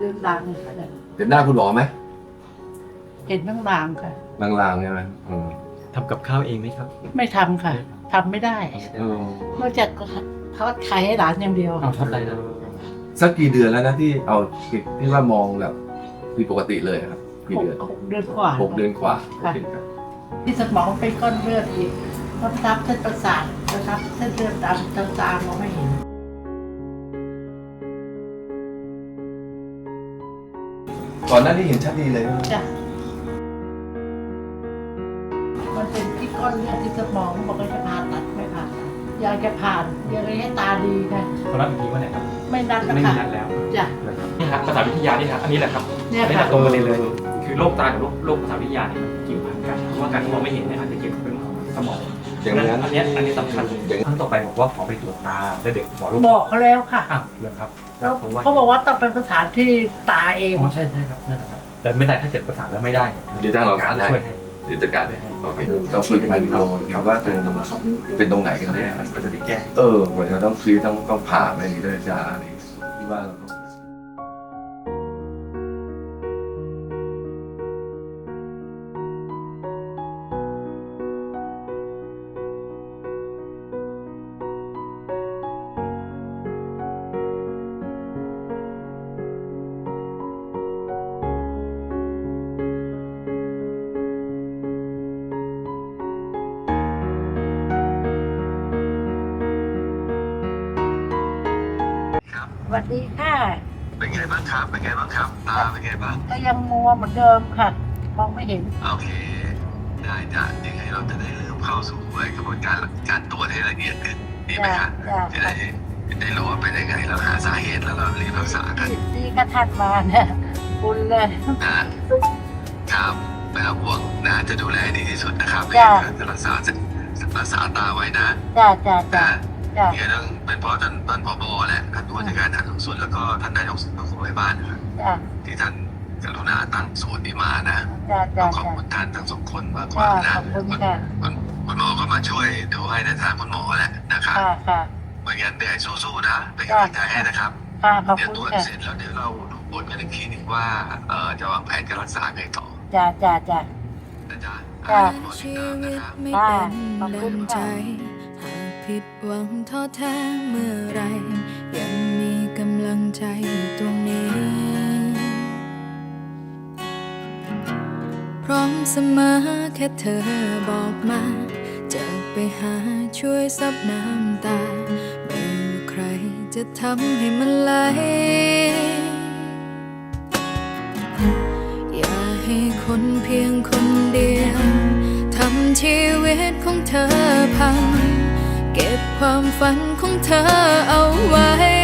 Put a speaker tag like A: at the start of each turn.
A: ดือนดัง
B: เห็นหน้าคุณหมอไหม
A: เห็นบ้างลางค่ะ
B: ลางๆใช่ไหม
C: ทำกับข้าวเองไหมครับ
A: ไม่ทำค่ะทำไม่ได้นอกจากทอดไข่ให้หลานอย่างเดียว
C: ทำอะไรนะ
B: สักกี่เดือนแล้วนะที่เอาที่ว่ามองแบบผิดปกติเลยครับกี่เดือน
A: 6 เดือนกว่า
B: 6 เดือนกว่า
A: ที่สมองเป็นก้อนเลือดอีกมันทับเส้นประสาทนะครับเส้นเลือดดำตามมองไม่เห็น
B: ก่อนหน้านี้เห็นชัดดีเลย
A: จ้ะมันเป็นที่ก้อนเลือดที่สมองบอกว่าจะผ่าตัดไม่ผ่าตัดอยากจะผ่านอยากให้ตาดีนะ
C: ตอนนั้นอีกทีว่าไหนครับ
A: ไม่นัดแล้ว
C: ไม่
A: ค่ะ
C: มีนัดแล้ว
A: จ้ะ
C: นี่ครับภาษาวิทยานี่ครับอันนี้แหละครับไม่ได้ตรงประเด็นเลยคือโรคตากับโรคภาษาวิทยาเนี่ยเกี่ยวพันกันเพราะว่าการที่มองไม่เห็นเนี่ยอาจจะเกี่ยวกับเรื่องของสมอง
B: อย่างนั้น
C: อันนี้สำคัญครั้งต่อไปบอกว่าขอไปตรวจตาและเด็กหมอโรค
A: บอกเขาแล้วค่ะ
C: เลยครับ
A: เขาบอกว่าต้องเป็นภาษาที่ตาเอง
C: ใช่ครับนั่นแหละครับแต่ไม่ได้ถ้าเกิดประสานแล้วไม่ได้
B: เดี๋ยวทางเราการช่วยเดี๋ยวจัดการได้โอเคต้องคุยกันเราครับว่าเป็นตรงไหนกันแน่
C: ก็จะได้แก้
B: เหมือนเราต้องซื้อต้องผ่าอะไรอย่างนี้ด้วยจ้าอะไรที่ว่า
A: สวัสดีค่ะ
B: เป็นไงบ้างครับเป็นไงบ้างครับตาเป็นไงบ้าง
A: ก็ยังมัวเหมือนเดิมค่ะมองไม่เห็น
B: โอเคได้จ้ะยังไงเราจะได้เริ่มเข้าสู่กระบวนการตรวจให้ละเอียดขึ้นดีไหมครับจะได้รู้ว่าเป็นยังไงเราหาสาเหตุแล้วเรารีบรักษากัน
A: ดีก็ทันมาเนี่ยบุญเลย
B: นะครับไม่ต้องห่วงนะจะดูแลดีที่สุดนะครับจะรักษาตาไว้นะเนี่ยต้องเป็นเพราะท่านผบ.แหละท่านผู้ว่าราชการฐานส่วนแล้วก็ท่านนายกสมาคมแม่บ้านที่ท่านกรุณาตั้งศูนย์นี้มานะต้องขอบคุณท่านทั้งสองคนมากกว่านะคุณหมอก็มาช่วยดูให้ในทางคุณหมอแหละนะครับเหมือนกันเหนื่อยสู้ๆนะเป็นกำลังใจให้นะครับเดี๋ยวตรวจเสร็จแล้วเดี๋ยวเราดูผลกันอีกทีนึงว่าจะวางแผนการรักษาไงต่อ
D: ชีวิตไม่เป็นดังใจหากผิดหวังท้อแท้เมื่อไรยังมีกำลังใจอยู่ตรงนี้พร้อมเสมอแค่เธอบอกมาจะไปหาช่วยซับน้ำตาไม่ว่าใครจะทำให้มันไหลอย่าให้คนเพียงคนเดียวทำชีวิตของเธอพังเก็บความฝันของเธอเอาไว้